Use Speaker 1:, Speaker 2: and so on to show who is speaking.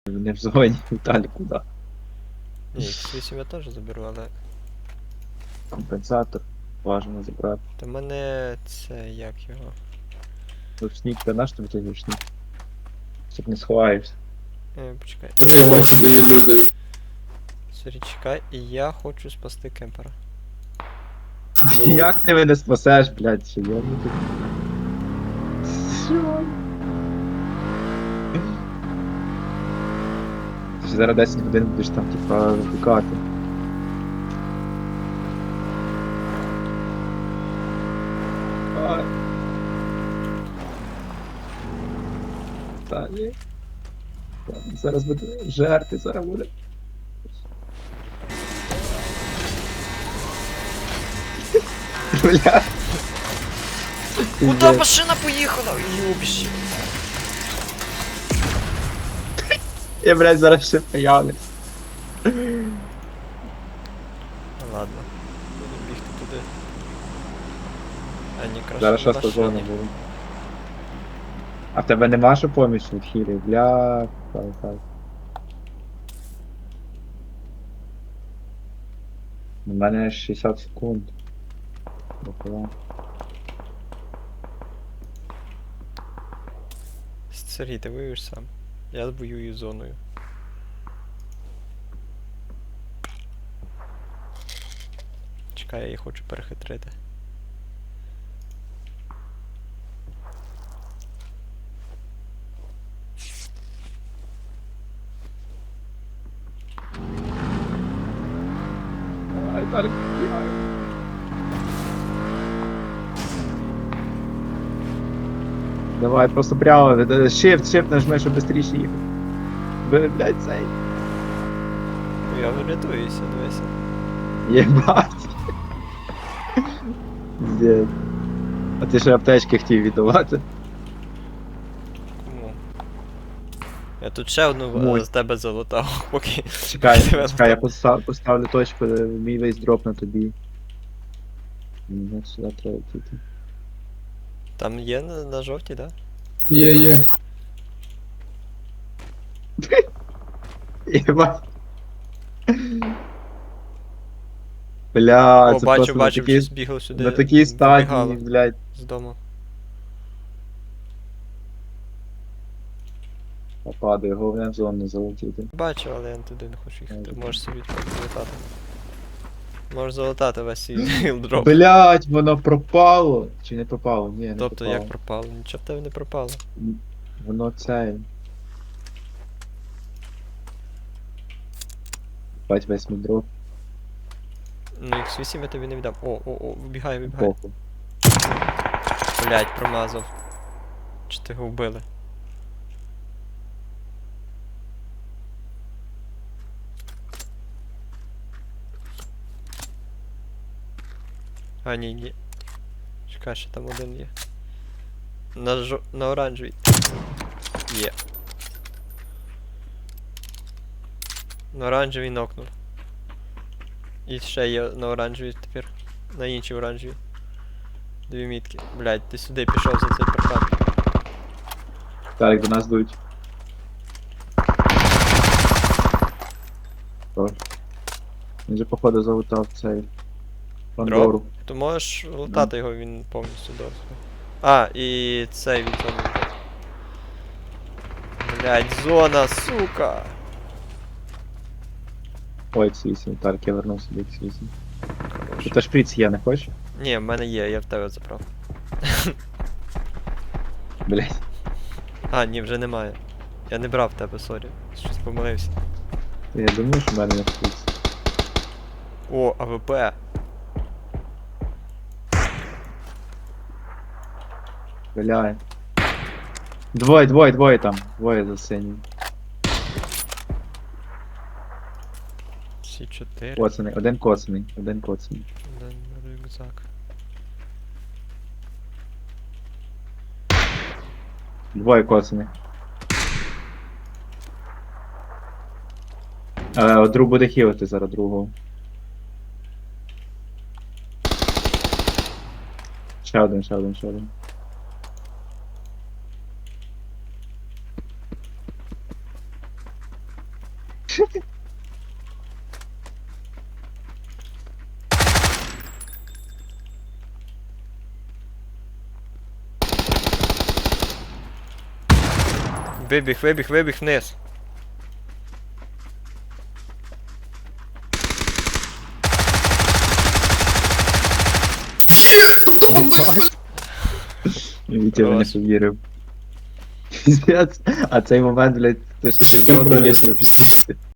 Speaker 1: Не в зоні, Віталій, куди?
Speaker 2: Ні, X8 я теж заберу, але...
Speaker 1: Компенсатор. Важно забрати.
Speaker 2: Та в мене це як його.
Speaker 1: Ручник, та наш тобі той ручник? Щоб не сховаєшся.
Speaker 2: Почекай.
Speaker 3: Я бачу, де є люди.
Speaker 2: Сорі, чекай, і я хочу спасти кемпера.
Speaker 1: Як ти мене спасеш, блядь, чи я не тут? Що? Ти ж зараз 10 годин будеш там, типа, викликати. Ай. Та ні. Зараз буде жерти, зараз буде. Бля.
Speaker 2: Куда машина поїхала? Юбіще.
Speaker 1: Я, блядь, зараз все появлюсь.
Speaker 2: Ладно. Буду бігти туди. А ні, краще
Speaker 1: Зараз
Speaker 2: на
Speaker 1: шоста зона
Speaker 2: машині.
Speaker 1: буде. А в тебе нема що поміч від хілі? Бля, так. У мене 60 секунд. Дохуя.
Speaker 2: Сергій, ти воюєш сам. Я воюю зоною. Чекай, я її хочу перехитрити.
Speaker 1: Ай, так. Давай, просто прямо, shift нажми, щоб швидше їхати. Блядь, цей.
Speaker 2: Ну, я врятуюся, дивися.
Speaker 1: Єбать. Пиздец. А ти ще аптечки хотів віддавати?
Speaker 2: Кому? Я тут ще одну
Speaker 1: Мой.
Speaker 2: з тебе залутав, поки...
Speaker 1: Чекай,
Speaker 2: Тебе
Speaker 1: я поставлю точку, мій весь дроп на тобі. Мені сюди треба йти.
Speaker 2: Там є на жовтій, да?
Speaker 3: Є.
Speaker 1: Єбать. Бля,
Speaker 2: О,
Speaker 1: це
Speaker 2: бачу,
Speaker 1: просто
Speaker 2: бачу, вже збігав сюди.
Speaker 1: на такій стадії,
Speaker 2: вибігало
Speaker 1: блядь.
Speaker 2: з дому.
Speaker 1: Падає, головне в зону не залетіти.
Speaker 2: Бачу, але я туди не хочу їхати. Можеш собі так залутати. Можеш залутати весь свій гілдроп.
Speaker 1: Блядь, воно пропало. Чи не пропало? Ні, не
Speaker 2: Тобто
Speaker 1: пропало.
Speaker 2: як пропало? Нічого в тебе не пропало.
Speaker 1: Воно це. Бать весь мій дроп.
Speaker 2: Ну X8 я тобі не віддам. О, вибігай.
Speaker 1: Похуй.
Speaker 2: Блять, промазав. Чи ти його вбили? А, ні. Чекай, ще там один є. На оранжевій. Є. На оранжевій нокнув. І ще є на оранжевій тепер. На іншій оранжевій. Дві мітки. Блять, ти сюди пішов за цей паркан.
Speaker 1: Так, до нас дують. Тож. Він же походу залутав цей. Пандору.
Speaker 2: То можеш лутати його, він повністю досить. А, і цей від зони. Блять, зона, сука!
Speaker 1: Ой, X8, так, я вернув собі X8.
Speaker 2: Хорош.
Speaker 1: Тут шприц є, не хочеш?
Speaker 2: Ні, в мене є, я в тебе забрав.
Speaker 1: Блять.
Speaker 2: А, ні, вже немає. Я не брав в тебе, сорі. Щось помилився.
Speaker 1: Я думаю, що в мене не шприц.
Speaker 2: О, АВП.
Speaker 1: Бля. Двоє там. Двоє за синім.
Speaker 2: Всі 4.
Speaker 1: Коцаний, один коцаний. Один
Speaker 2: Рюкзак.
Speaker 1: Двоє коцаних. Друг буде хілити зараз другого. Ще один.
Speaker 2: Вибіг вниз.
Speaker 1: Вітя мене
Speaker 2: Хорош.
Speaker 1: повірив. Піздець. А цей момент, блядь, ти ще
Speaker 3: Кем
Speaker 1: зону
Speaker 3: пролез на пиздец.